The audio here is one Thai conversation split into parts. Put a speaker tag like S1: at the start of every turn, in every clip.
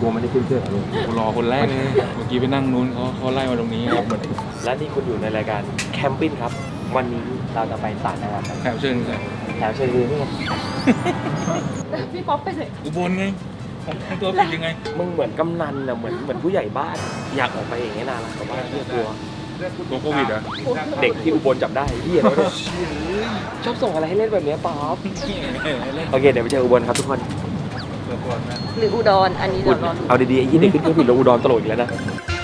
S1: ลัวไม่ได้ขึ้นเครื่องเลย
S2: กูรอคนแรกเลยเมื่อกี้ไปนั่งนู้นเขาไล่มาตรงนี้ครับ
S1: และนี่คุณอยู่ในรายการแคมปิ้งครับวันนี้เราจะไปต่างจังหวัดกัน
S2: แถวเชิญเลย
S1: แถวเชียงรายนี่ไง
S3: พี่ป๊อปไปเลย
S2: อุบลไงผมทำตัวผิดยังไง
S1: มึงเหมือนกำนันนะเหมือนผู้ใหญ่บ้านอยากออกไปอย่างนี้นานละแต่ว่าเพื่อกลัว
S2: ตัวโควิดเหรอ
S1: เด็กที่อุบลจับได้เฮียแล้วเนี่ยชอบส่งอะไรให้เล่นแบบนี้ป๊อปโอเคเดี๋ยวไปเจออุบลครับทุกคน
S3: หรืออุดรอันนี้เดี๋ยวรอดู
S1: เอาดีๆไอ้ยี่เด็กขึ้นเครื่องบินลงอุดรตลกอีกแล้วนะ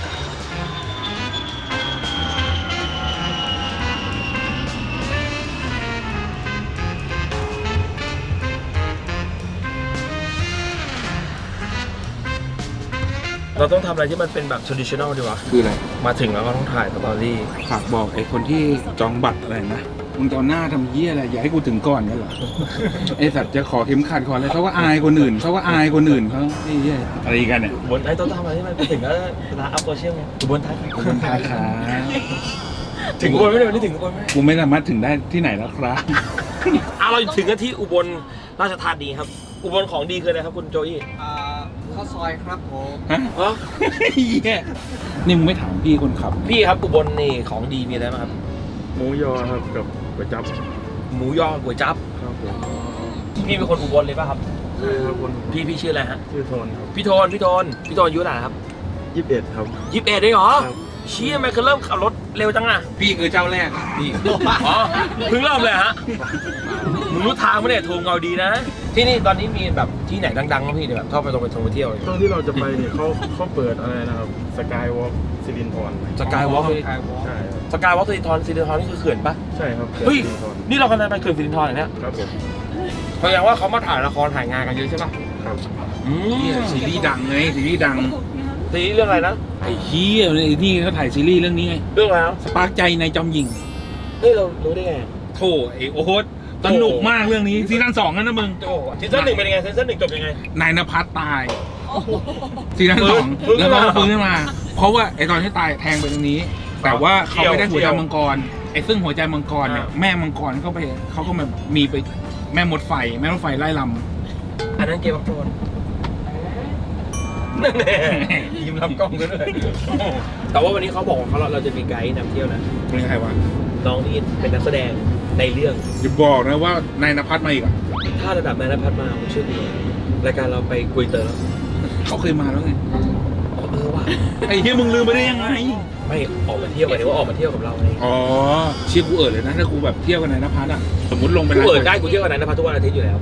S1: เราต้องทำอะไรที่มันเป็นแบบ traditional ดีวะ
S2: คืออะไร
S1: มาถึงแล้วก็ต้องถ่ายสตอรี่
S2: ฝากบอกไอ้คนที่จองบัตรอะไรนะมึงจะเอาหน้าทำเยี่ยอะไรอย่าให้กูถึงก่อนกันเหรอ ไอสัตว์จะขอเข็มขัดขออะไรเขาก็อายคนอื่นเขาไอ้เหี้ยอะไรกันเนี่ย
S1: บนไอ้ต้องทำอะไรที่มันไปถึงแล้วเวลาอัพโซเชียลไงบนไทย
S2: คนไทยครับ
S1: ถึงอุบลไม่ได้ไม่ได้ถึงอุบลไหม
S2: กูไม่สามารถถึงได้ที่ไหนแล้วครับ
S1: เราถึงกันที่อุบลราชธานีครับ อุบลของดีคืออะไรครับคุณโจอี้
S4: ข้าวซอยครับผม
S2: ฮะ
S1: อ๋อ
S2: เหี้ยนี่มึงไม่ถามพี่คนขับ
S1: พี่ครับอุบลนี่ของดีมีอะไรบ้างครับ
S5: หมูยอครับกับก๋วยจั๊บ
S1: หมูยอก๋วยจั๊บ
S5: ครับผม
S1: พี่เป็นคนอุบลเลยป่ะครับ
S5: ใช่ครับคน
S1: พี่ชื่ออะไรฮะ
S5: ชื่อโทนครับ
S1: พี่โทนอายุเท่าไหร่ครับ
S5: 21ครับ
S1: 21ได้เหรอ
S5: ครับ
S1: เชี่ยมันคือเริ่มขับรถเร็วจังอะ
S2: พี่คือเจ้าแรกพี่
S1: อ๋อเพิ่งเริ่มเลยฮะมึงรู้ทางไหมเนี่ยโทรเงาดีนะ ที่นี่ตอนนี้มีแบบที่ไหนดังๆบ้างพี่เนี่ยแบบชอบไปท่องเที่ยว
S5: ช่วงที่เราจะไปเนี่ยเขาเปิดอะไรนะครับสกายวอล์กสิรินธร
S1: สกายวอล์ก
S5: ใช่ครับ
S1: สกายวอล์กสิรินธรนี่คือเขื่อนปะ
S5: ใช่ครับ
S1: เฮ้ย
S5: สิรินธร
S1: นี่เรากำลังไปเขื่อนสิรินธรเหรอเนี่ย
S5: ครับผม
S1: แสดงว่าเขามาถ่ายละครถ่ายงานกันเยอะใช่ปะ
S5: ครับ
S1: อืม
S2: ซีรีส์ดังไงซีรีส์ดัง
S1: ซีรีส์เรื่องอะไรนะ
S2: ไอ้เหี้ยไอ้นี่เขาถ่ายซีรีส์เรื่องนี้ไง
S1: เรื่องอะไรนะ
S2: สปาร์กใจในจอมยิง
S1: เฮ้ยเรารู้ได้ไง
S2: โธ่ไอ้โอ๊ตสนุกมากเรื่องนี้ซีซั่น2นั่นนะมึง
S1: โอ้ซีซั่นหนึ่งเป็นยังไงซีซั่นหนึ่งจบยังไง
S2: นายนภัสตายซีซั่นสอง
S1: ฟื้น
S2: แล้ว
S1: ขึ้นมา
S2: ก็ฟื้นขึ้นมา เพราะว่าไอ้ตอนที่ตายแทงไปตรงนี้ แต่ว่าเขาไม่ได้หัวใจมังกรไอ้ซึ่งหัวใจมังกรเนี่ยแม่มังกรเขาก็แบบมีไปแม่มดไฟไล่ล
S1: อันนั้นเกมof Thrones นั่นแหละยิ้มรับกล้องกันด้วยแต่ว่าวันนี้เขาบอกว่าเราจะมีไกด์นำเที่ยวนะ
S2: ำเป็นใครวะ
S1: น้องที่เป็นนักแสดงในเรื่อง
S2: อย่าบอกนะว่านายนภัสมาอีกอ่ะ
S1: ถ้าระดับนายนภัสมาผมเชื่อดีรายการเราไปกุยเตอร์แล้ว
S2: เขาเคยมาแล้วไง
S1: ว่ะ
S2: ไอ้เหี้ยมึงลืมไปได้ยังไง
S1: ไม่ออกมาเที่ยวหมายถึงว่าออกมาเที่ยวกับเราไง
S2: อ๋อเชี่ยกูเลยนะถ้ากูแบบเที่ยวกับนายนภัสอ่ะสมมติลงไป
S1: กูเปิดได้กูเที่ยวกับนายนภัสทุกวันอาทิตย์อยู่แล้ว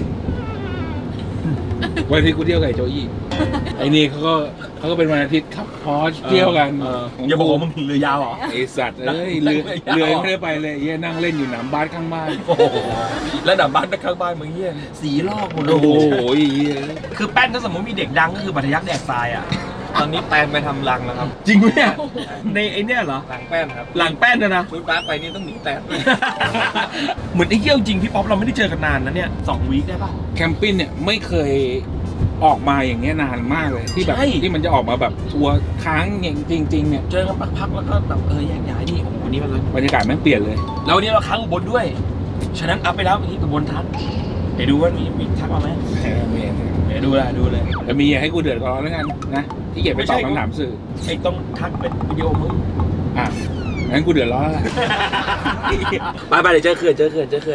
S2: วันอาทิตย์กูเที่ยวกับไอ้โจอี้ไอ้นี่เขาก็เป็นวันอาทิตย์ขับพอชเที่ยวกัน
S1: อย่าบอกว่ามึงเรือยาวเหรอ
S2: ไอสัตว์เอ้ยเรือยังไม่ได้ไปเลยเหี้ยนั่งเล่นอยู่หนามบ้านข้างบ้าน
S1: โอ้โหแล้วดับบ้านข้างบ้านมึงเฮียสีลอกหมดเลย
S2: โอ้โหเหี้ย
S1: คือแป้นถ้าสมมติมีเด็กดังก็คือบัตรยักษ์แดกทรายอ่ะ
S4: ตอนนี้แปลนไปทำรังแล้วครับ
S1: จริงไหมเนี่ยในไอเนี่ยเหรอ
S4: หลังแป้นครับ
S1: หลังแป้นนะ
S4: ฟื้นฟ้าไปนี่ต้องหนีแตก
S1: เหมือนไอ้เหี้ยวจริงพี่ป๊อปเราไม่ได้เจอกันนานนะเนี่ย2 วีคได้ป่ะ
S2: แคมปิ้งเนี่ยไม่เคยออกมาอย่างเงี้ยนานมากเลยที่แบบ
S1: ใช่
S2: ที่มันจะออกมาแบบทัวร์ค้างอย่างจริงๆเนี่ย
S1: เจอกันพักๆแล้วก็แบบแยกย้ายนี่โอ้โหวันนี้มันเลย
S2: บรรยากาศแม่งเปลี่ยนเลย
S1: แล้ววันนี้เราค้างอุบลด้วย ฉะนั้นอัพไปแล้ววันนี้อุบลทักเดี๋ยวดูว่ามีทักมาไหมเดี๋ยวดูเลย
S2: แต่มีอย่าให้กูเดือดร้อนแล้วกันนะที่เกียจไปตอบคำถามสื่อ
S1: ไอ้ต้องทักเป็นวิดีโอมึง
S2: อ่ะงั้นกูเดือดร้อนแล้วแหละ
S1: ไปเดี๋ยวเจอเขื่อน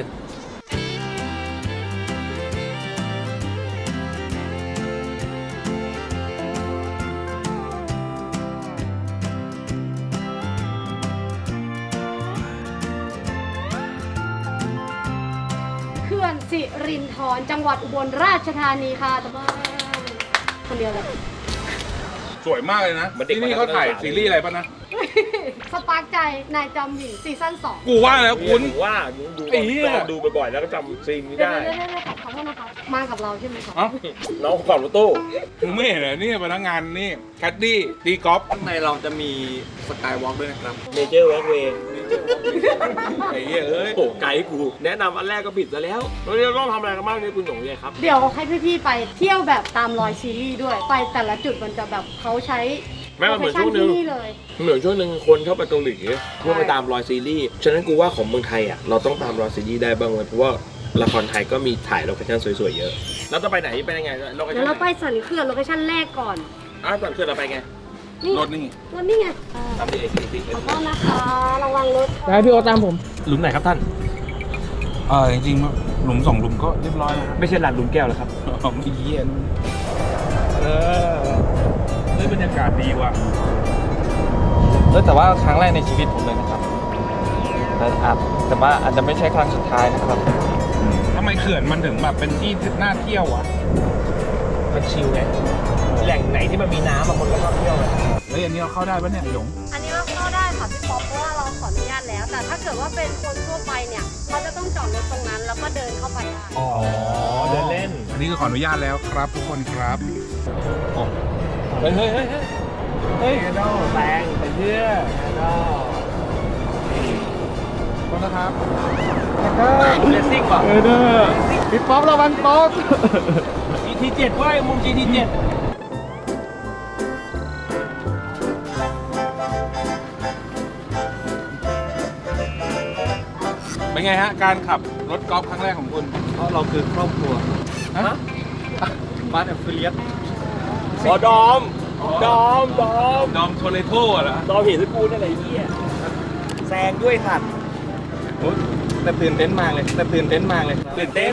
S3: เขื่อนสิรินธรจังหวัดอุบลราชธานีค่ะตะบ้านคนเดียวเลย
S2: สวยมากเลยนะที่นี่เขาถ่ายซีรีส์อะไรป่ะนะ
S3: สปาร์กใจนายจอมหญิงซีซั่น2
S2: กูว่าแล้วคุณ
S1: ว่าดู
S2: ไอ้เหี้ย
S1: ดูบ่อยๆแล้วก็จำซีนนี้
S3: เดี๋ยว
S1: ได้
S3: ขอโทษนะครับมากับเราใช่ไหมครับ
S2: เอ้า
S1: น้องขับรถตู้
S2: มึงไม่เห็นเหรอนี่พนักงานนี่แคดดี้ตีกอล์ฟ
S4: ข้างในเราจะมีสกายวอล์กด้วยนะครับ
S1: เมเจอร์วอล์กเวย์
S2: ไอ้เหี้ยเอ้ย
S1: โอ้ไกด์กูแนะนำอันแรกก็ผิดซะแล้วแล้วเราต้องทำอะไรกันบ้างเนี่ยคุณหยงเลยครับ
S3: เดี๋ยวให้พี่ๆไปเที่ยวแบบตามรอยซีรีส์ด้วย ไปแต่ละจุดมันจะแบบเขาใช้
S1: แม่มันเหมือนช่วงนึง
S3: ที่นี่เลย
S1: เหมือนช่วงนึงคนเข้าไปเกาหลีเพื่อไปตามรอยซีรีส์ฉะนั้นกูว่าของเมืองไทยอ่ะเราต้องตามรอยซีรีส์ได้บ้างเลยเพราะว่าละครไทยก็มีถ่ายโลเคชั่นสวยๆเยอะแล้วจะไปไหนไปยังไงโลเคชั่
S3: เดี๋ย
S1: น
S3: วเราไปสันเขื่อนโลเคชั่นแรกก่อน
S1: ก่อนขึ้นเราไปไง
S3: นี่
S2: รถนี่
S3: รถนี่ไง
S1: ตามที่เอกสิ
S3: ขอโทษนะคะระวังรถ
S5: ได้พี่โอตามผม
S1: หลุมไหนครับท่าน
S2: จริงๆหลุม2หลุมก็เรียบร้อยแล้ว
S1: ไม่ใช่ลานหลุมแก้วเหรอครับ
S2: ไม่เยี่ยนบรรยากาศดีว่ะ
S4: แต่ว่าครั้งแรกในชีวิตผมเลยนะครับแต่ว่าอาจจะไม่ใช่ครั้งสุดท้ายนะครับ
S2: ทำไมเขื่อนมันถึงแบบเป็นที่น่าเที่ยวอ่ะ
S1: มันชิลไงแหล่งไหนที่มันมีน้ำบางคนก็ชอบเที่ยวไง
S2: แล้วอย่างนี้เราเข้าได้ปะเนี่ยหลง
S3: อันนี้เราเข้าได้ค่ะพี่ป๊อปเพราะว่าเราขออนุญาตแล้ว แต่ถ้าเกิดว่าเป็นคนทั่วไปเนี่ยเขาจะต้องจอดรถตรงนั้นแล้วก็เดินเข้าไปได้
S1: อ๋อเดินเล่น
S2: อันนี้ก็ขออนุญาตแล้วครับทุกคนครับ
S1: เฮ้ยแรงไปเพื่อ
S2: ขอบคุณนะครับ
S1: เลสซิ่งป่ะ
S5: พี่ป๊อประวังป๊อป
S1: GT7 เว้ยมุม GT7
S2: เป็นไงฮะการขับรถกอล์ฟครั้งแรกของคุณ
S4: เพราะเราคือครอบครัว
S2: ฮะ
S4: บ้านแอฟฟิเลียต
S1: ดอม
S2: ดอมโทเลโต้เหรอ
S1: ดอมเห็นสกูนั่นแหละไอ้เหี้ยแซงด้วยสัตว์
S4: แต่ตื่นเต้นมากเลยครับ
S1: ตื่นเต้น
S2: ตื่นเต้น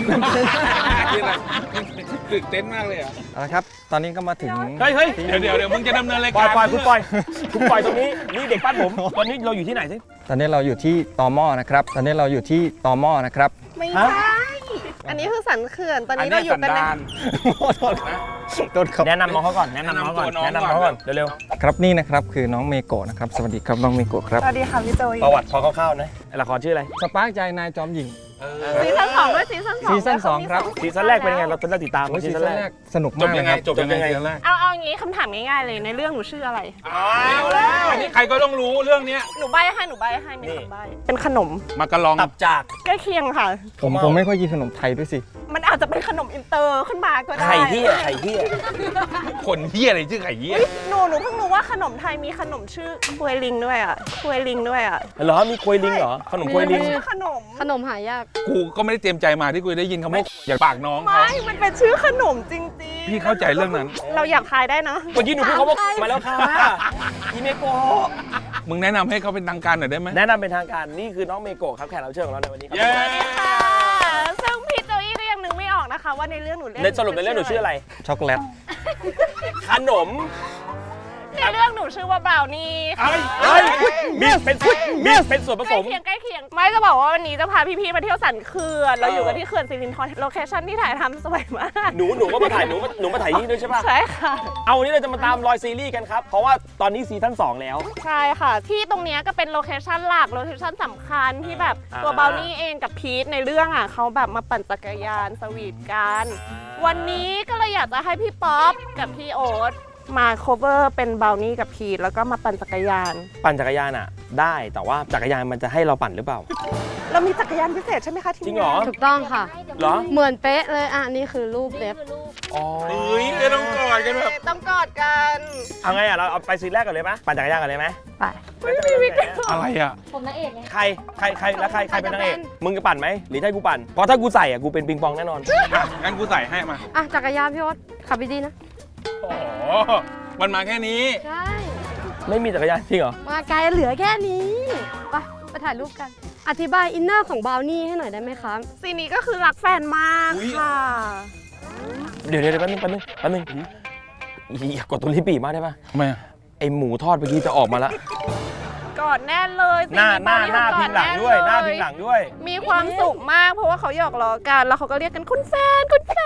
S2: มากเลยอ่ะ
S4: เอาละครับ ตอนนี้ก็มาถึง
S1: เฮ้ย
S2: เดี๋ยวมึงจะดำเนินราย
S1: ปล่
S2: กา
S1: อย
S2: ร
S1: คุณปล่อยตรงนี้นี่เด็กปั้นผมตอนนี้เราอยู่ที่ไหนสิ
S4: ตอนนี้เราอยู่ที่ตมนะครับ
S6: ไม่ใช่ อันนี้คือสันเขื่อน ตอนนี้เราอยู่กันใน
S4: ต้นครับ
S1: แนะนำน้องเขาก่อนแนะนำน้องก่อนเร็ว
S4: ครับนี่นะครับคือน้องเมโกะนะครับ สวัสดีครับน้องเมโกะครับ
S6: สวัสดีค่ะพี่โจย
S1: ๆประวัติพอคร่าวๆนะละครชื่ออะไร
S4: สปาร์กใจนายจอมหญิง
S6: ซีซั่น2ด้วยซีซั่น2
S4: ซีซั่นสองครับ
S1: ซีซั่นแรกเป็นยังไงเราติดตาม
S4: ซี
S1: ซี
S4: ซั่
S1: ซั่
S4: น
S1: น
S4: แร
S1: แร
S4: ก
S1: ก
S4: สนุก
S2: จ
S4: มา
S2: บ
S4: ก
S2: ยังไง
S4: นะครับ
S2: จบยังไงซีซั่นแรก
S6: เอาอย่างนี้คำถามง่ายๆเลยในเรื่องหนูชื่ออะไร
S2: เอาแล้วอันนี้ใครก็ต้องรู้เรื่องเนี้ย
S6: หนูใบให้มีคำใบเป็นขนม
S2: มากระลอง
S1: ตับจาก
S6: ใกล้เคียงค่ะ
S4: ผมไม่ค่อยกินขนมไทยด้วยสิ
S6: มันอาจจะเป็นขนมอินเตอร์ขึ้นมาก็ได้
S1: ไข่เหี้ย
S2: คนเหี้ยอะไรชื่อไข่เหี้ย
S6: หนูเพิ่งรู้ว่าขนมไทยมีขนมชื่อควยลิงด้วยอ่ะ
S1: เหรอมีควยลิงเหรอขนมควยลิง
S6: ชื่อขนม
S3: ขนมหายาก
S2: กูก็ไม่ได้เตรียมใจมาที่กูได้ยินคำว่าอยากปากน้องเขา
S6: ไม่ มันเป็นชื่อขนมจริง
S2: พี่เข้าใจเรื่องนั้น
S6: ๆ เราอยากทายได้นะ
S1: เมื่อกี้หนูพูดเขาบอกมาแล้วค่ะอีเมโกะ
S2: มึงแนะนำให้เขาเป็นทางการหน่อยได้ไหม
S1: แนะนำเป็นทางการนี่คือน้องเมโกะครับแขกรับเชิญของเราในวันนี้ครั
S2: เย้
S6: สวัสดีค่ะ ซึ่งพี่โจอี้ก็ยังนึกไม่ออกนะคะ ว่าในเรื่องหนูเล่น
S1: ในสรุปในเรื่องหนูชื่ออะไร
S4: ช็อกโกแลต
S1: ขนม
S6: ในเรื่องหนูชื่อว่าบราวนี่ค่ะ
S1: เฮ้ยมีเป็นส่วนผ
S6: ใก
S1: ส
S6: ล้
S1: ม
S6: เคียง ไม่จะบอกว่าวันนี้จะพาพี่ๆมาเที่ยวสันเขื่อนเราอยู่กันที่เขื่อนสิรินธรโลเคชั่นที่ถ่ายทำสวยมาก
S1: หนูก็มาถ่ายหนูมาถ่ายนี่ด้วยใช่ป่ะ
S6: ใช่ค่ะ
S1: เอาวันนี้เราจะมาตามรอยซีรีส์กันครับ เพราะว่าตอนนี้ซีซั่น2แล้ว
S6: ใช่ค่ะ ที่ตรงเนี้ยก็เป็นโลเคชั่นหลักโลเคชั่นสำคัญที่แบบตัวบราวนี่เองกับพีทในเรื่องอ่ะเขาแบบมาปั่นจักรยานสวีทกัน วันนี้ก็เลยอยากจะให้พี่ป๊อปกับพี่โอ๊ตมา cover เป็นบราวนี่กับพีทแล้วก็มาปั่นจักรยาน
S1: ปั่นจักรยานอ่ะ ได้แต่ว่าจักรยานมันจะให้เราปั่นหรือเปล่า
S6: เรามีจักรยานพิเศษใช่ไหมคะทีม
S1: จริงเหรอ
S3: ถูกต้องค่ะ
S1: เหรอ
S3: เหมือนเป๊ะเลยอ่ะนี่คือรูปเล็บ
S1: อ๋อ
S2: เฮ้ยไม่ต้องกอดกันแบบ
S6: ต้องกอดกัน
S1: เอาไงอ่ะเราเอาไปซีนแรกก่อนเลยไหมปั่นจักรยานก่อนเลยไหม
S3: ไป
S2: อะไรอ่ะ
S1: ใครแล้วใครเป็นนางเอกมึงจะปั่นไหมหรือให้กูปั่นเพราะถ้ากูใส่อ่ะกูเป็นปิงปองแน่นอน
S2: อ่ะงั้นกูใส่ให้มา
S3: อ่ะจักรยานพี่โอ๊ตขับดีๆนะ
S2: โอ้โหมันมาแค่นี้
S3: ใช่
S1: ไม่มีจักรยานจริงเหรอ
S3: มาไกลเหลือแค่นี้ ไปถ่ายรูปกัน อธิบายอินเนอร์ของบราวนี่ให้หน่อยได้ไหมคะ
S6: ซีนนี้ก็คือรักแฟนมาก
S2: อุ๊ย
S6: ค่ะ
S1: เดี๋ยวแป๊บนึงอย่ากดตรงนี้ปีมากได้ปะ
S2: ทำไมอ่ะ
S1: ไอหมูทอดเมื่อกี้จะออกมาละ
S6: กอดแน่นเลย
S1: หน้า
S6: ซี
S1: พิงหลังด้วย หน้าพิงหลังด้วย
S6: มีความสุขมากเพราะว่าเขาหยอกล้อกันแล้วเขาก็เรียกกันคุณแฟน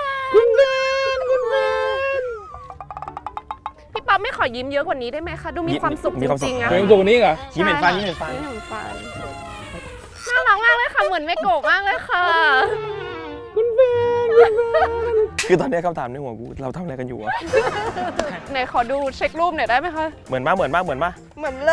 S6: พี่ป๊อปไม่ขอยิ้มเยอะกว่านี้ได้ไหมคะดูมีความสุข
S1: มี
S6: จ
S1: ความสุข
S6: ริงๆอะ
S2: เฮ้ยตัวนี้เหรอ
S1: ยิ้มเห็นฟัน
S6: ยิ้มเห็นฟันน่ารักมากเลยค่ะเหมือนเมโกะมากเลยค่ะ
S1: คือตอนนี้คำถามในหัวกูเราทำอะไรกันอยู่อะ
S6: ไหนขอดูเช็ครูปหน่อยได้ไหมคะ
S1: เหมือนปะ
S6: เหมือนเลย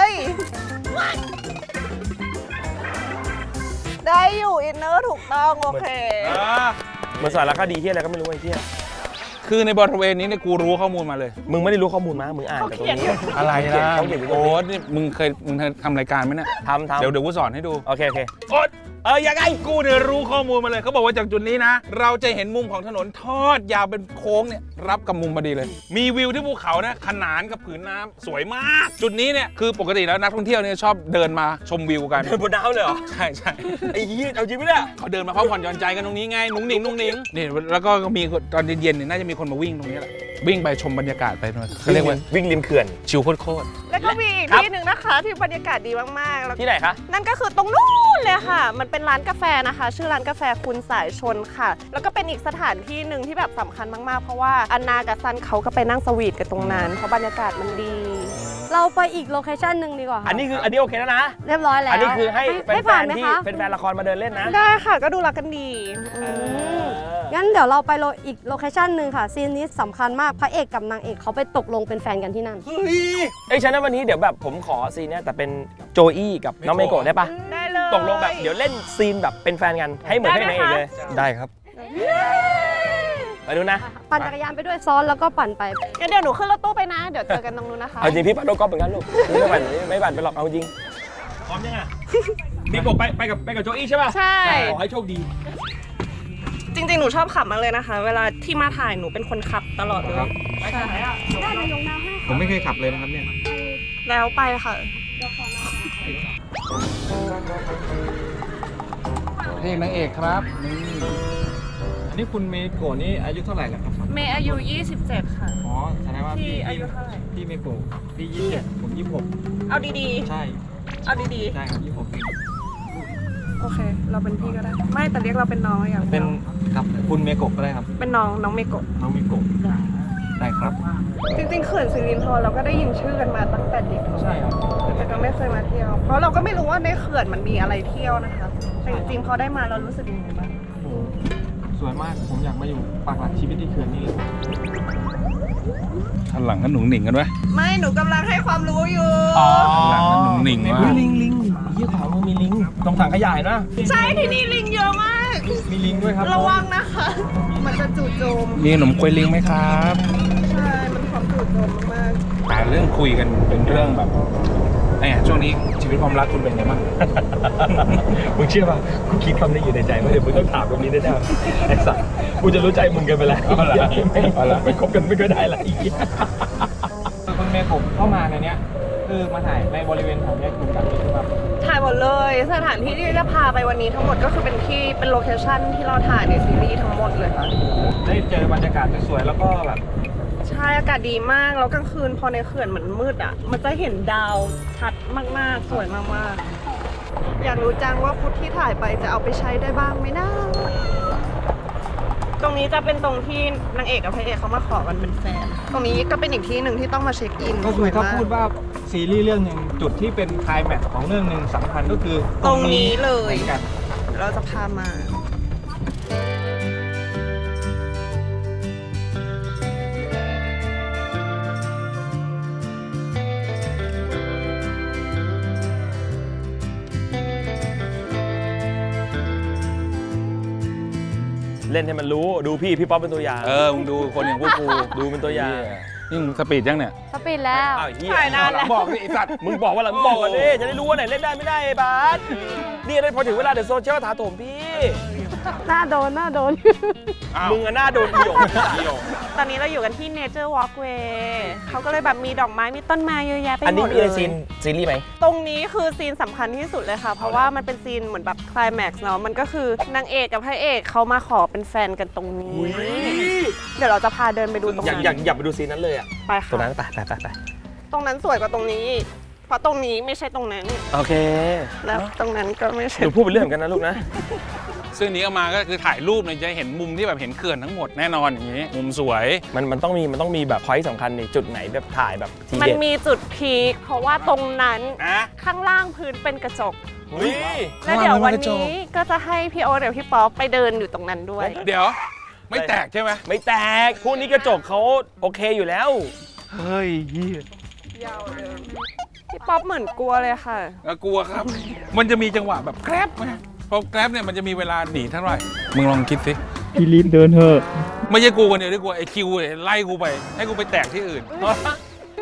S6: ได้อยู่อินเนอร์ถูกต้องโอเค
S1: เหมือนสารคดีที่อะไรก็ไม่รู้ไอ้ที่
S2: คือในบริเวณนี้เนี่ยกูรู้ข้อมูลมาเลย
S1: มึงไม่ได้รู้ข้อมูลมามึงอ่านจากตรงนี้
S2: อะไรล่ะ
S1: เขาเขียนอยู่ตรง
S2: โอ๊
S1: นี้
S2: ตนี่มึงเคยทำรายการไหมเนี่ย
S1: ทำ
S2: เดี๋ยวกูสอนให้ดู
S1: โอเค
S2: โอ๊ต
S1: ยังไง
S2: กูเนี่ยรู้ข้อมูลมาเลยเขาบอกว่าจากจุดนี้นะ เราจะเห็นมุมของถนนทอดยาวเป็นโค้งเนี่ยรับกับมุมพอดีเลย มีวิวที่ภูเขานะขนานกับผืนน้ำสวยมาก จุดนี้เนี่ยคือปกติแล้วนักท่องเที่ยวเนี่ยชอบเดินมาชมวิวกัน
S1: เดินบนน้ำเลยเหรอ
S2: ใช่ใช่
S1: ไอ้เหี้ยเอาจริงไหมเนี่ย
S2: เขาเดินมาพักผ่อนหย่อนใจกันตรงนี้ไงนุ้งหนิงนี่แล้วก็มีตอนเย็นๆเนี่ยน่าจะมีคนมาวิ่งตรงนี้แหละวิ่งไปชมบรรยากาศไปเขาเรียกว่า
S1: วิ่งริมเขื่อน
S2: ชิลโคตร
S6: แล้วก็มีอีก
S1: ครับ
S6: ที่หนึ่งนะคะที่บรรยากาศดีมากๆแล้ว
S1: ที่ไหนคะ
S6: นั่นก็คือตรงนู้นเลยค่ะ มันเป็นร้านกาแฟนะคะ ชื่อร้านกาแฟคุณสายชนค่ะ แล้วก็เป็นอีกสถานที่หนึ่งที่แบบสำคัญมากๆ เพราะว่าอันนากับซันเขาก็ไปนั่งสวีทกันตรงนั้นเพราะบรรยากาศมันดี
S3: เราไปอีกโลเคชั่นหนึ่งดีกว่าค่ะ
S1: อันนี้โอเคแล้วนะ
S3: เรียบร้อยแล้ว
S1: อันนี้คือให้
S3: ให้
S1: แฟ
S3: ผ่าน
S1: น
S3: ไหม
S1: ๆที่
S3: คะ
S1: เป็นแฟนละครมาเดินเล่นนะ
S6: ได้ค่ะก็ดูรักกันดีอืม
S3: งั้นเดี๋ยวเราไปอีกโลเคชั่นหนึ่งค่ะซีนนี้สำคัญมากพระเอกกับนางเอกเขาไปตกลงเป็นแฟนกันที่นั่น
S1: เฮ้ยเอ้ยฉะนั้นวันนี้เดี๋ยวแบบผมขอซีนเนี้ยแต่เป็นโจอี้กับน้องเมโกะได้ปะ
S6: ได้เลย
S1: ตกลงแบบเดี๋ยวเล่นซีนแบบเป็นแฟนกันให้เหมือนให้นางเอกเลย
S4: ได้ครับ
S1: ไปดูนะ
S3: ปั่นจักรยานไปด้วยซ้อนแล้วก็ปั่นไป
S6: งั้นเดี๋ยวหนูขึ้นรถตู้ไปนะ เดี๋ยวเจอกันตรงนู้นนะคะ
S1: เอาจริงพี่ปัดโดกอล์ฟเหมือนกันลูกพี่ไม่ปั่นไปหรอกเอาจริงพร้อมยังอ่ะเมโกะไปกับโจอี้ใช่ป่ะ
S6: ใช่
S1: ขอให้โชคดี
S6: จริงๆ หนูชอบขับมากเลยนะคะ เวลาที่มาถ่ายหนูเป็นคนขับตลอดเลย
S1: ไปทางไหนอ่ะ
S4: ผมไม่เคยขับเลยนะครับเนี่ย
S6: แล้วไปค่ะ
S2: เพลงนางเอกครับนี่
S4: อันนี้คุณเมโกะนี่อายุเท่าไหร่แล้วครับ
S6: เมย์อายุ 27 ค่ะ
S4: อ๋อแสดงว่า
S6: พี่อายุเท่าไหร่
S4: พี่เมโกะพี่27ผม26
S6: เอาดี
S4: ใช่
S6: ๆ เอาดี
S4: ใช่ครับ26
S6: ๆ โอเค เราเป็นพี่ก็ได้ ไม่แต่เรียกเราเป็นน้องอย่าง
S4: เป็นครับคุณเมโกะก็ได้ครับ
S6: เป็นน้องเมโกะ
S4: น้องเมโกะได้ครับ
S6: จริงๆเขื่อนสิรินธรเราก็ได้ยินชื่อกันมาตั้งแต่เด็ก
S4: ใช่ครับ
S6: แต่ก็ไม่เคยมาเที่ยว เพราะเราก็ไม่รู้ว่าในเขื่อนมันมีอะไรเที่ยวนะคะแต่จริงๆพอได้มาเรารู้สึกยังไงบ้าง
S4: โอ้โหสวยมากผมอยากมาอยู่ปากหลักชีวิตที่เขื่อนนี้เลย
S2: ข้างหลังก็หนุ่งหนิงกันวะ
S6: ไม่หนูกำลังให้ความรู้อยู่
S2: ข้างหลังก็หนุ่งหนิงว่ะ
S1: ลิงเยี่ยขวามือมีลิงตรงถังขยะเห็นปะ
S6: ใช่ที่นี่ลิงเยอะมาก
S4: มีลิงด้วยครับ
S6: ระวังนะคะ มันจะจู่โจม
S2: มีขนมกล้วยลิงไหมครับ
S6: ใช่ มันความจู่โจมมาก
S2: แต่เรื่องคุยกันเป็นเรื่องแบบเนี่ยช่วงนี้ชีวิตความรักคุณเป็นไงบ้าง
S1: มึงเชื่อป่ะกูคิดคำนี้อยู่ในใจว่าเดี๋ยวมึงต้องถามตรงนี้แน่ๆไอ้สัสกูจะรู้ใจมึงกันไปแล้วไม่คบกันไม่ก็ได้ละอีก
S4: คุณเมโกะเข้ามาในเนี้ยคือมาถ่ายในบริเวณแถวเนี้ยคุณแบบนี้คือแบบ
S6: ๆถ่ายหมดเลย สถานที่ที่จะพาไปวันนี้ทั้งหมดก็คือเป็นโลเคชั่นที่เราถ่ายในซีรีส์ทั้งหมดเลยค่ะ
S4: ได้เจอบรรยากาศสวยๆแล้วก็แบบ
S6: ใช่อากาศดีมาก แล้วกลางคืนพอในเขื่อนเหมือนมืดอ่ะ มันจะเห็นดาวชัดมากๆ สวยมากๆ อยากรู้จังว่าฟุตที่ถ่ายไปจะเอาไปใช้ได้บ้างไหมนะ ตรงนี้จะเป็นตรงที่นางเอกกับพระเอกเขามาขอกันเป็นแฟน ตรงนี้ก็เป็นอีกที่หนึ่งที่ต้องมาเช็คอิน
S4: ก็คือถ้า
S6: สวยม
S4: พูดว่าซีรีส์เรื่องหนึ่งจุดที่เป็นไคลแม็กซ์ของเรื่องหนึ่งสำคัญก็คือ
S6: ตรงนี้เลย
S4: หมือนกัน
S6: เราจะพามา
S1: เล่นให้มันรู้ดูพี่ป๊อปเป็นตัวอย่าง
S2: มึงดูคนอย่างพวกกู
S1: ดูเป็นตัวอย่าง
S2: นี่มึงสปีดยังเนี่ย
S3: สปีดแล้ว
S1: อ้าวเฮีย
S6: ถ่ายนานแล้ว
S2: บอกดิไอ้สัตว์
S1: มึงบอกว่าหลังบอกกันดิจะได้รู้ว่าไหนเล่นได้ไม่ได้ไอ้บาสนี่ได้พอถึงเวลาเดี๋ยวโซเชียลถาโถมพี่
S3: หน้าโดน
S2: อ้าว
S1: มึงอะหน้าโดนเอี่ยว
S6: ตอนนี้เราอยู่กันที่ Nature Walkway เขาก็เลยแบบมีดอกไม้ มีต้นไม้เยอะแยะไปหมด
S1: อันนี้มี
S6: เล
S1: ใน
S6: ย
S1: ซีรีส์ไหม
S6: ตรงนี้คือซีนสำคัญที่สุดเลยค่ะ เพราะว่ามันเป็นซีนเหมือนแบบไคลแม็กซ์เนาะ มันก็คือนางเอกกับพระเอกเขามาขอเป็นแฟนกันตรงนี้ เดี๋ยวเราจะพาเดินไปดูตรง
S1: อยาก
S6: นั้น
S1: อยากไปดูซีนนั้นเลยอ่ะ
S6: ไป
S1: ตรงนั้
S6: ค่ะ
S1: นไป
S6: ตรงนั้นสวยกว่าตรงนี้ เพราะตรงนี้ไม่ใช่ตรงนั้น
S1: โอเค
S6: แล้วตรงนั้นก็ไม่ใช่
S1: หนูพูดเป็นเรื่องเหมือนกันนะลูกนะ
S2: ซึ่งนี้เอามาก็คือถ่ายรูปเนี่ยจะเห็นมุมที่แบบเห็นเขื่อนทั้งหมดแน่นอนอย่างนี้ มุมสวย
S1: มันต้องมีแบบพอยต์สำคัญในจุดไหนแบบถ่ายแบบที
S6: มัน
S1: เด็ด
S6: มีจุดพีคเพราะว่าตรงนั้น
S2: นะ
S6: ข้างล่างพื้นเป็นกระจก
S1: เฮ้ย
S6: แล้วเดี๋ยววันนี้ก็จะให้พี่โอ๊ตเดี๋ยวพี่ป๊อปไปเดินอยู่ตรงนั้นด้วย
S2: เดี๋ยว ไม่แตกใช่ไหม
S1: ไม่แตกพวกนี้กระจกเขาโอเคอยู่แล้ว
S2: เฮ้ยเหี้ย
S6: ยาวเดินพี่ป๊อปเหมือนกลัวเลยค่ะ
S2: กลัวครับ มันจะมีจังหวะแบบแกร็บไหมพอแกร็บเนี่ยมันจะมีเวลาหนีเท่าไหร่ มึงลองคิดสิ
S4: พี่รีบเดินเถอะ
S2: ไม่ใช่กูคนเดียวที่กลัวไอ้คิวเนี่ยไล่กูไป ให้กูไปแตกที่อื่น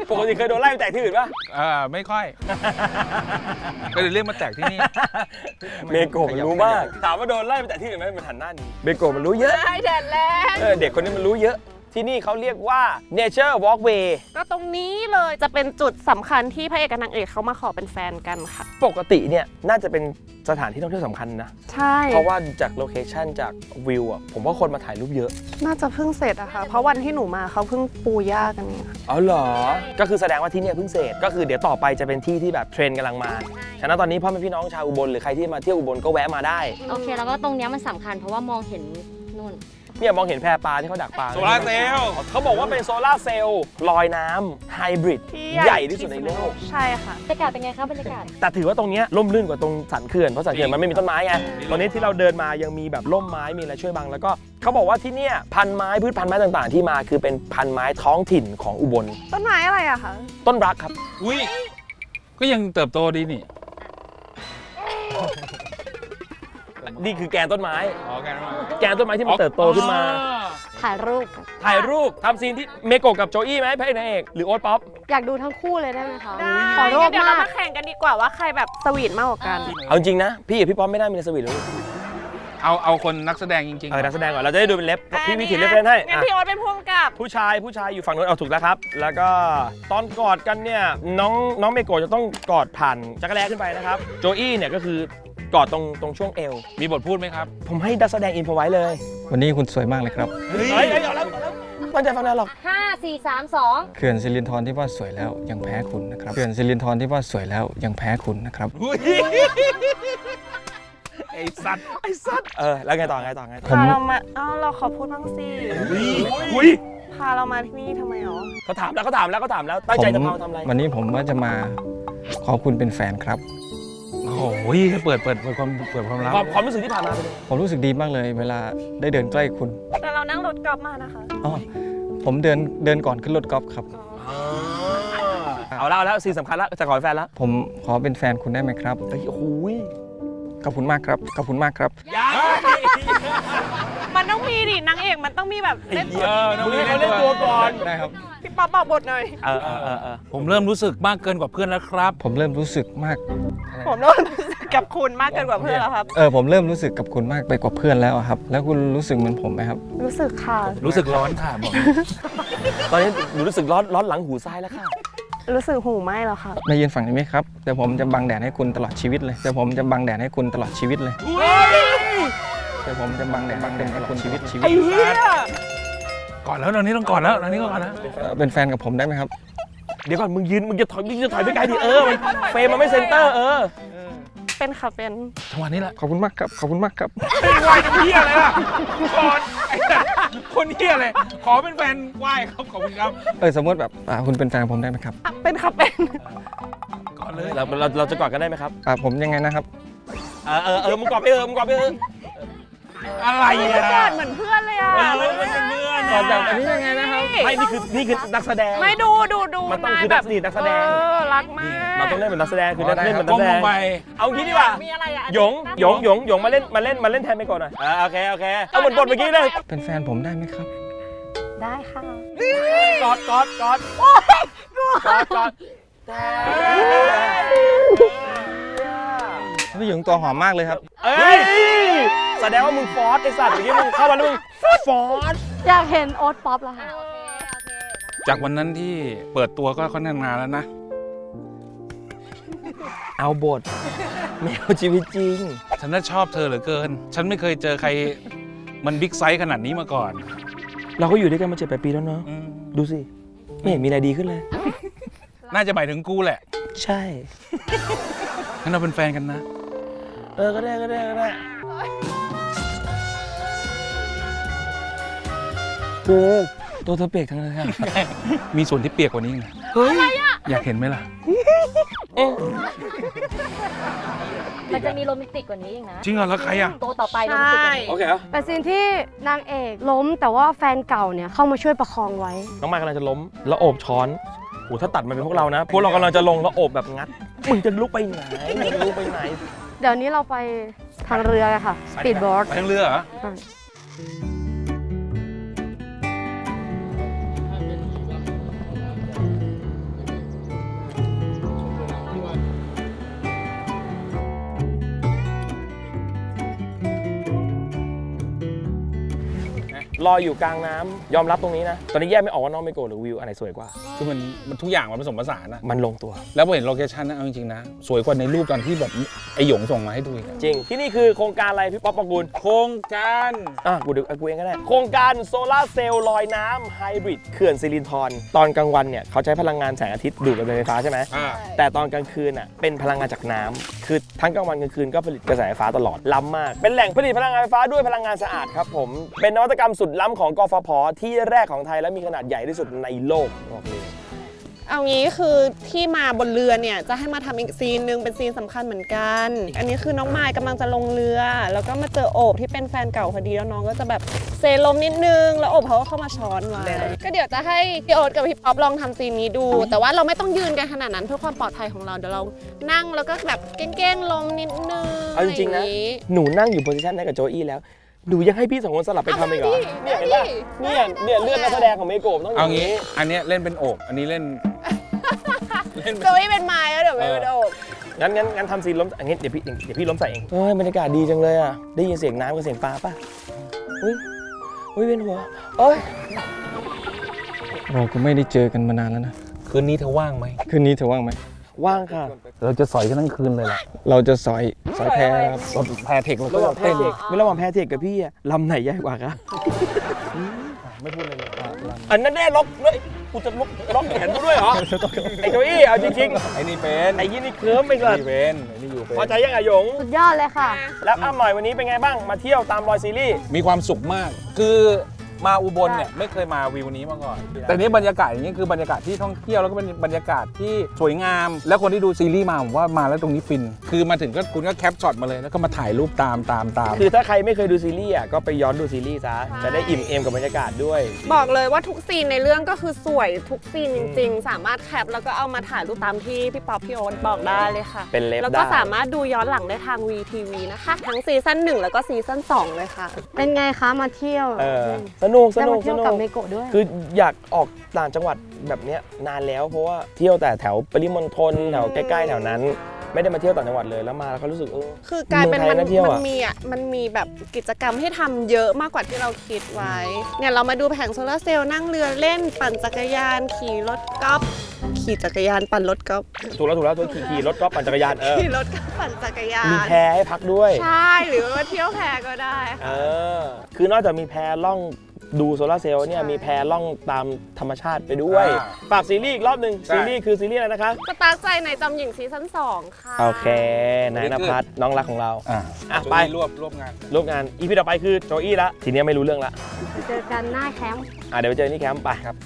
S1: ปกติเคยโดนไล่ไปแตกที่อื่นป่ะ
S2: ไม่ค่อย ก็เลยเรียกมาแตกที่นี่
S1: เมโกะมันรู้มากถามว่าโดนไล่ไปแตกที่อื่นไหมมันหันหน้าหนีเมโกะมันรู้เยอะ
S6: ใช่แดดแรง
S1: เด็กคนนี้มันรู้เยอะที่นี่เขาเรียกว่า Nature Walkway
S6: ก็ตรงนี้เลยจะเป็นจุดสำคัญที่พระเอกกับนางเอกเขามาขอเป็นแฟนกันค่ะ
S1: ปกติเนี่ยน่าจะเป็นสถานที่ท่องเที่ยวสำคัญนะ
S6: ใช่
S1: เพราะว่าจากโลเคชันจากวิวอ่ะผมว่าคนมาถ่ายรูปเยอะ
S6: น่าจะเพิ่งเสร็จอะค่ะ เพราะวันที่หนูมาเขาเพิ่งปูหญ้ากันเนี่ยค่ะ
S1: อ๋อเหรอ ก็คือแสดงว่าที่เนี่ยเพิ่งเสร็จก็คือเดี๋ยวต่อไปจะเป็นที่ที่แบบเทรนด์กำลังมาฉะนั้นตอนนี้พ่อแม่พี่น้องชาวอุบลหรือใครที่มาเที่ยวอุบลก็แวะมาได้
S3: โอเค แล้วก็ตรงเนี้ยมันสำคัญเพราะว่ามองเห็นนู่น
S1: เนี่ยมองเห็นแพปลาที่เขาดักปลา
S2: โซลาร์เซลล์
S1: เขาบอกว่าเป็นโซลาร์เซลล์ลอยน้ำไฮบริด
S6: ที่
S1: ใหญ่ที่สุดในโลก
S6: ใช่ค่ะ
S3: บรรยากาศเป็นไงครับบรรยากาศ
S1: แต่ถือว่าตรงเนี้ยร่มรื่นกว่าตรงสันเขื่อนเพราะสันเขื่อนมันไม่มีต้นไม้ไงตอนนี้ที่เราเดินมายังมีแบบร่มไม้มีอะไรช่วยบังแล้วก็เขาบอกว่าที่เนี่ยพันไม้พืชพันธุ์ไม้ต่างๆ ที่มาคือเป็นพันไม้ท้องถิ่นของอุบล
S6: ต้นไม้อะไรอะคะ
S1: ต้นรักครับ
S2: อุ้ยก็ยังเติบโตดีนี่
S1: นี่คือแกนต้นไม้
S2: อ๋อแกนมา
S1: แกนต้นไม้ที่มันเติบโตขึ้นมา
S3: ถ่ายรูปกัน
S1: ถ่ายรูปทำซีนที่เมโกะกับโจอี้ไหมพระเอกนางเอกหรือโอ๊ตป๊อป
S3: อยากดูทั้งคู่เลยได้ไหมคะ
S6: ได้
S3: ขอรูป
S6: เดี๋ยวเรา
S3: มาก
S6: มาแข่งกันดีกว่าว่าใครแบบสวีทมากกว่ากัน
S1: เอาจริงนะพี่กับพี่ป๊อปไม่ได้มีในสวีทเลย
S2: เอาคนนักแสดงจริงๆ
S1: นักแสดงก่อนเราจะได้ดูเป็นเล็บพี่วิถีเล็บเล่นให้
S6: งั้น
S1: อ่ะ
S6: พี่โอ๊ตเป็นพ่วงกับ
S1: ผู้ชายอยู่ฝั่งนู้นเอาถูกแล้วครับ แล้วก็ตอนกอดกันเนี่ยน้องเมโกะจะต้องกอดผ่านจักรแลขึ้นไปนะครับโจอี้เนี่ยก็คือกอดตรงช่วงเอว
S2: มีบทพูดไหมครับ
S1: ผมให้นักแสดงอินพอไว้เลย
S4: วันนี้คุณสวยมากเลยครับ
S1: เฮ้ยเอาแล้วตั้งใจฟังนะหรอก
S3: 5 4 3 2
S4: เขื่อนสิรินธรที่ว่าสวยแล้วยังแพ้คุณนะครับ เขื่อนสิรินธรที่ว่าสวยแล้วยังแพ้คุณนะครับ
S2: ไอ้สัตว์
S1: แล้วไงต่อ
S6: พาเรามาเราขอพูดบ้างสิ
S1: อุ้ย
S6: พาเรามาที่นี่ทำไมอ๋อ
S1: เขาถามแล้วตั้งใจจะพาทำอะไร
S4: วันนี้ผมว่าจะมาขอคุณเป็นแฟนครับ
S2: โอ้โหเปิดความลับ
S1: ความรู้สึกที่ผ่านมาเป็นยังไง
S4: ผมรู้สึกดีมากเลยเวลาได้เดินใกล้คุณ
S6: แต่เรานั่งรถกอล์ฟมานะคะ
S4: อ๋อผมเดินก่อนขึ้นรถกอล์ฟครับ
S1: เอาแล้วสิ่งสำคัญแล้วจะขอเป็นแฟนแล้ว
S4: ผมขอเป็นแฟนคุณได้ไหมครับ
S1: โอ้โห
S4: ขอบคุณมากครับ ขอบคุณมากครับ
S6: มันต้องมีดินางเอกมันต้องมีแบบเล่นตัว
S1: มึงให้เขาเล่นตัวก่อน
S4: ได้ครับ
S6: พี่ป๊อปบอกบทหน่อย
S2: ผมเริ่มรู้สึกมากเกินกว่าเพื่อนแล้วครับ
S4: ผมเริ่มรู้สึกมาก
S6: ผมเริ่มรู้สึกกับคุณมากเกินกว่าเพื่อนแล้วครับ
S4: ผมเริ่มรู้สึกกับคุณมากไปกว่าเพื่อนแล้วอะครับ แล้วคุณรู้สึกเหมือนผมไหมครับ
S6: รู้สึกค่ะ
S2: รู้สึกร้อนค่ะบอก
S1: ตอนนี้หนูรู้สึกร้อนหลังหูซ้ายแล้วค่ะ
S6: รู้สึกหูไหมแล้วค่ะ
S4: มายืนฝั่งนี้ไหมครับเดี๋ยวผมจะบังแดดให้คุณตลอดชีวิตเลยเดี๋ยวผมจะบังแดดให้คุณตลอดชีวิตเลยเดี๋ยวผมจะบังแดดให้คุณชีวิต
S1: ไอ้เหี้ย
S2: ก่อนแล้วตอนนี้ต้องก่อนแล้วตอนนี้ก็ก่อนแล้ว
S4: เป็นแฟนกับผมได้ไหมครับ
S1: เดี๋ยวก่อนมึงจะถอยไปไกลดิมันเฟรมมันไม่เซนเตอร์
S6: เป็นค่ะเป็น
S2: จังหวะนี้แหละ
S4: ขอบคุณมากครับ ขอบคุณมากครับ
S2: ไหวจะเฮียอะไรล่ะก่อนไอ้สัตว์คนเฮียอะไรขอเป็นแฟนไหวครับขอบคุณครับ
S4: สมมติแบบคุณเป็นแฟนกับผมได้ไหมครับ
S6: เป็นค่ะเป็น
S2: ก่อนเลย
S1: เราจะกอดกันได้ไหมครับ
S4: ผมยังไงนะครับ
S1: มึงกอดไปมึงกอดไป
S2: อะไร
S6: ก
S2: อ่ะ
S6: อดเหมือนเพื่อนเลยอ่ะ
S2: มันเป็นเพื่อน
S1: กอดแบบอันนี้ยังไงนะครับไม่นี่คือนักแสดง
S6: ไม่ดู
S1: มันต้องคือนักแสดง
S6: รักมาก
S1: เราต้องเล่นเป็นนักแสดงคือเล่นเป็นนั
S2: ก้
S1: ก
S2: ม
S1: แสด
S2: ล
S1: ง
S2: งไป
S1: เอางี้ดีกว่า
S6: มีอะไรอ่ะ
S1: หยงมาเล่นแทนไปก่อนหน่อยโอเคเอาเหมือนบทเมื่อกี้เลย
S4: เป็นแฟนผมได้ไหมครับ
S3: ได้ค่ะ
S1: กอด
S4: ผู้หญิงตัวหอมมากเลยครับ
S1: แสดงว่ามึงฟอสไอสัตว์เมื่อกี้มึงเข้ามาแล้วมึงฟอส
S3: อยากเห็นโอ๊ตป๊อปแล้วค่ะ
S2: จากวันนั้นที่เปิดตัวก็ค่อนข้างนานแล้วนะ
S1: เอาบทไม่เอาชีวิตจริง
S2: ฉันน่าชอบเธอเหลือเกิน ฉันไม่เคยเจอใครมันบิ๊กไซส์ขนาดนี้มาก่อน
S1: เราก็อยู่ด้วยกันมา7-8 ปีแล้วเนาะ ดูสิไม่เห็นมีอะไรดีขึ้นเลย
S2: น่าจะหมายถึงกูแหละ
S1: ใช่
S2: งั้นเราเป็นแฟนกันนะ
S1: ก็ได้ตัวเธอเปียกทั้งนั้นค่ะ
S2: มีส่วนที่เปียกกว่านี้อีกนะอยากเห็นไหมล่ะ
S3: มันจะมีโรแมนติกกว่านี้อีกนะ
S2: จริงเหรอแล้วใครอ่ะ
S3: ตัวต่อไปโรแมนติกกว่านี้
S1: โอเคเหรอ
S7: เป็นซีนที่นางเอกล้มแต่ว่าแฟนเก่าเนี่ยเข้ามาช่วยประคองไว้
S1: น้องมายกำลังจะล้มแล้วโอบช้อนโหถ้าตัดมาเป็นพวกเรานะ พวกเรากำลังจะลงแล้วโอบแบบงัด มึงจะลุกไปไหน
S7: เดี๋ยวนี้เราไปทางเรือกันค่ะสปีดโบ๊ท
S2: ไปทางเรือเหรอ
S1: ลอยอยู่กลางน้ำยอมรับตรงนี้นะตอนนี้แยกไม่ออกว่าน้องเมโกะหรือวิวอันไหนสวยกว่า
S2: คือมันทุกอย่างมันผสมผสานนะ
S1: มันลงตัว
S2: แล้วพอเห็นโลเคชั่นนะเอาจริงๆนะสวยกว่าในรูปตอนที่แบบไอหยงส่งมาให้ดูอีก
S1: จริงที่นี่คือโครงการอะไรพี่ป๊อปปองกูล
S2: โครงการ
S1: กูเองก็ได้โครงการโซลาร์เซลล์ลอยน้ำไฮบริดเขื่อนสิรินธรตอนกลางวันเนี่ยเขาใช้พลังงานแสงอาทิตย์ดูดกับไฟฟ้าใช่ไหม แต่ตอนกลางคืนอ่ะเป็นพลังงานจากน้ำคือทั้งกลางวันกลางคืนก็ผลิตกระแสไฟฟ้าตลอดล้ำมากเป็นแหล่งผลิตพลังงานไฟฟ้าด้วยพลังงานสะอาดครับผมเป็นนวัตกรรมสุดล้ำของกฟผ.ที่แรกของไทยและมีขนาดใหญ่ที่สุดในโลกบอกเลย
S6: เอางี้คือที่มาบนเรือเนี่ยจะให้มาทำอีกซีนหนึ่งเป็นซีนสำคัญเหมือนกัน อันนี้คือน้องมายกำลังจะลงเรือ แล้วก็มาเจอโอบที่เป็นแฟนเก่าพอดีแล้วน้องก็จะแบบเซลมนิดนึงแล้วโอบเขาก็เข้ามาช้อนไว้ก็เดี๋ยวจะให้พี่โอ๊ตกับพี่ป๊อปลองทำซีนนี้ดู แต่ว่าเราไม่ต้องยืนกันขนาดนั้นเพื่อความปลอดภัยของเราเดี๋ยวเรานั่งแล้วก็แบบเก้งๆลมนิดนึง
S1: เอาจริงๆนะหนูนั่งอยู่โพสิชันนั้นกับโจอี้แล้วหนูยังให้พี่สองคนสลับไปทำอีกเหรอเนี่ยเห็นป่ะเนี่ยเรื่องนักแสดงของเมโกะต้องอ
S2: เอา
S1: ย่าง
S2: งี้
S1: นี้
S2: อันเนี้ยเล่นเป็นโอบอันนี้เล่น
S6: โจอี้เป็นไม้แล้วเดี๋ยวไม่เป็นโอบ
S1: งั้นทำซีนล้มอันนี้เดี๋ยวพี่ล้มใส่เองเฮ้ยบรรยากาศดีจังเลยอ่ะได้ยินเสียงน้ำกับเสียงปลาป่ะอุ้ยเวียนหัวเอ้ย
S4: เราก็ไม่ได้เจอกันมานานแล้วนะ
S2: คืนนี้เธอว่างไหม
S4: คืนนี้เธอว่างไหม
S1: ว่างค่ะ
S2: เราจะสอยกันทั้งคืนเลยล่ะ
S4: เราจะสอยแพครับ
S2: รถแพเทคเราก็
S1: ระหว่างแพ
S2: เต้น
S1: เทคไม่ระหว่างแพเทคกับพี่อะลำไหนใหญ่กว่าคะไม่พูดเลยอันนั้นแน่ล็อกด้วยกูจะล็อกแขนกูด้วยเหรอไอ้โจอี้เอาจริง
S2: ไอ้นี่เป็น
S1: ๆไอ้ยี่นี่เคลิ้มไปก่อน
S2: นี่เป็นไอ้นี่อยู่เป็น
S1: พอใจยังไงหยง
S7: สุดยอดเลยค่ะ
S1: แล้วอ้ำหน่อยวันนี้เป็นไงบ้างมาเที่ยวตามรอยซีรีส์
S2: มีความสุขมาก คือมาอุบลเนี่ยไม่เคยมาวิวนี้มาก่อน แต่นี้บรรยากาศอย่างนี้คือบรรยากาศที่ท่องเที่ยวแล้วก็เป็นบรรยากาศที่สวยงาม แล้วคนที่ดูซีรีส์มาผมว่ามาแล้วตรงนี้ฟิน คือมาถึงก็คุณก็แคปช็อตมาเลยแล้วก็มาถ่ายรูปตาม
S1: คือถ้าใครไม่เคยดูซีรีส์อ่ะก็ไปย้อนดูซีรีส์ซะจะได้อิ่มเอมกับบรรยากาศด้วย
S6: บอกเลยว่าทุกซีนในเรื่องก็คือสวยทุกซีนจริงๆ สามารถแคปแล้วก็เอามาถ่ายรูปตามที่พี่ป๊อปพี่โอ๊ตบอกได้เลยค่ะ
S1: เป็นเล็บ
S6: แล้วก็
S1: ได้
S6: สามารถดูย้อนหลังได้ทาง VTV นะคะ ทั้งซีซั่น1แล้วก็ซีซั่น2เลยค่ะ
S7: เป็นไงคะมาเที่ยว
S1: สนุก
S7: ได้มาเที่ยวกับเมโกะด้วย
S1: คืออยากออกต่างจังหวัดแบบเนี้ยนานแล้วเพราะว่าเที่ยวแต่แถวปริมณฑลแถวใกล้ๆแถวนั้น ไม่ได้มาเที่ยวต่างจังหวัดเลยแล้วมาแล้วเขารู้สึก
S6: คือกลายเป็น
S1: เมืองไทยน่าเที่ยวอะ
S6: มันมีแบบกิจกรรมให้ทำเยอะมากกว่าที่เราคิดไว้ เนี่ยเรามาดูแผงโซลาร์เซลล์นั่งเรือเล่นปั่นจักรยานขี่รถกอล์ฟขี่จักรยานปั่นรถกอล์ฟ
S1: ถูกแล้วตัวขี่รถก็ปั่นจักรยาน
S6: ขี่รถกอล์ฟปั่นจักรยาน
S1: มีแพให้พักด้วย
S6: ใช่หรือว่าเที่ยวแพก็ได้ค่ะ
S1: คือนอกจากมีแพล่องดูโซลาร์เซลล์เนี่ยมีแพล่องตามธรรมชาติไปด้วยฝากซีรีส์อีกรอบหนึ่งซีรีส์คือซีรีส์อะไรนะคะ
S6: สตาร์ทใจในจำหญิงซีซั่น2ค่ะ
S1: โอเคนายนภัสน้องรักของเรา
S2: ไป
S1: ไป
S2: รวบงาน
S1: ร่วมงานอีพีต่อไปคือโจอี้ละทีนี้ไม่รู้เรื่องละ
S7: เจอกันหน้าแคมป์
S1: เดี๋ยวไปเจอที่แคมป์ไปครับ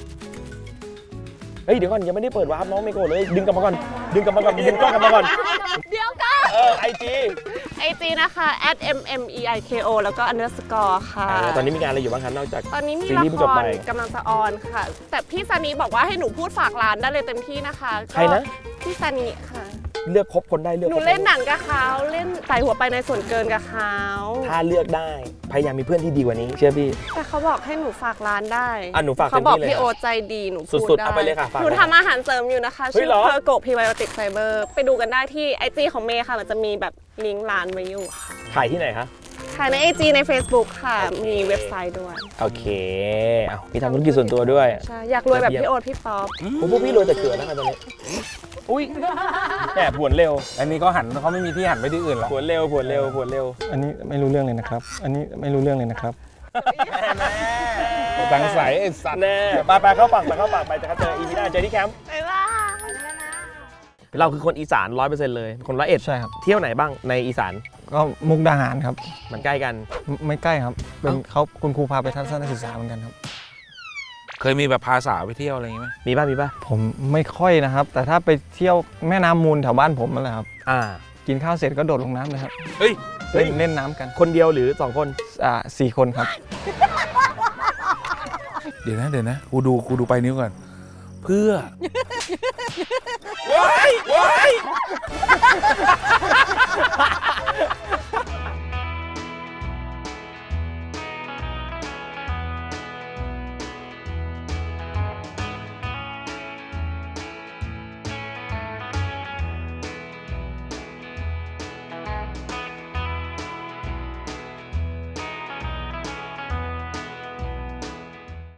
S1: เฮ้ยเดี๋ยวก่อนยังไม่ได้เปิดวาร์ปน้องเมโกะเลยดึงกลับมาก่อนดึงกล้องกลับมาก่อน
S6: เดี๋ยวก็
S1: IG
S6: นะคะ @mmeiko แล้วก็ underscore ค่ะ
S1: ตอนนี้มีงานอะไรอยู่บ้างครับนอกจาก
S6: ตอนนี้มี
S1: ซี
S6: ละ
S1: รีส์เพิ่ง
S6: ค
S1: จบไป
S6: รกำลังจะออนค่ะ แต่พี่ซานีบอกว่าให้หนูพูดฝากร้านได้เลยเต็มที่นะคะ
S1: ใครนะ
S6: พี่ซานีค่ะ
S1: เลือกครบคนได้เลือก
S6: หนูเล่นหนังกับเขาเล่นใส่หัวไปในส่วนเกินกับเขา
S1: ถ้าเลือกได้พยายามมีเพื่อนที่ดีกว่านี้เชื่อพี่
S6: แต่เขาบอกให้หนูฝากร้านได้
S1: หนูฝาก
S6: เขาบอก
S1: เต็มที่เลย
S6: พี่โอใจดีหนูพูด
S1: สุดๆ
S6: ได้
S1: เอาไปเลยค่ะฝาก
S6: หนูทำอาหารเสริมอยู่นะคะ
S1: เฮ้ย
S6: ชื่อ
S1: เหรอ
S6: เพอร์โกพีไบโอติกไฟเบอร์ไปดูกันได้ที่ IG ของเมย์ค่ะมันจะมีแบบลิงก์ร้านไว้อยู่ค่ะ
S1: ขายที่ไหนคะ
S6: ขายใน IG ใน Facebook ค่ะ มีเว็บไซต์ด้วย
S1: โอเคพี่ทำธุรกิจส่วนตัวด้วย
S6: ใช่อยากรวยแบบพี่โอ๊ตพี่ป๊อป
S1: พวกพี่รวยแต่เกิดนะครับตอนนี้อุ้ยแหมผวนเร็ว
S2: อันนี้เขาไม่มีที่หันไปที่อื่นหรอก
S1: ผวนเร็ว
S4: อันนี้ไม่รู้เรื่องเลยนะครับ อันนี้ไม่รู้เรื่องเลยนะครับ
S2: ตังใสไอ้สัตว์
S1: แน่ไปเข้าฝั่งไปจะเจออีพีหน้าเจอที่แคมป์
S6: บ๊ายบาย
S1: เราคือคนอีสาน 100% เลยคน101
S4: ใช่ครับ
S1: เที่ยวไหนบ้างในอีสาน
S4: ก็มุกดาหารครับ
S1: มันใกล้กัน
S4: ไม่ใกล้ครับ เป็นเขาคุณครูพาไปทัศนศึกษาเหมือนกันครับ
S2: เคยมีแบบพาสาวไปเที่ยวอะไรอย่างงี้ไหม
S1: มีป่ะ
S4: ผมไม่ค่อยนะครับ แต่ถ้าไปเที่ยวแม่น้ำมูลแถวบ้านผมนั่นแหละครับ กินข้าวเสร็จก็โดดลงน้ำเลยครับ
S2: เฮ้ย
S4: เล่นน้ำกัน
S1: คนเดียวหรือ2 คน
S4: 4 คนครับ
S2: เดี๋ยวนะกูดูไปนิ้วก่อนเพื่อ
S1: ว้าย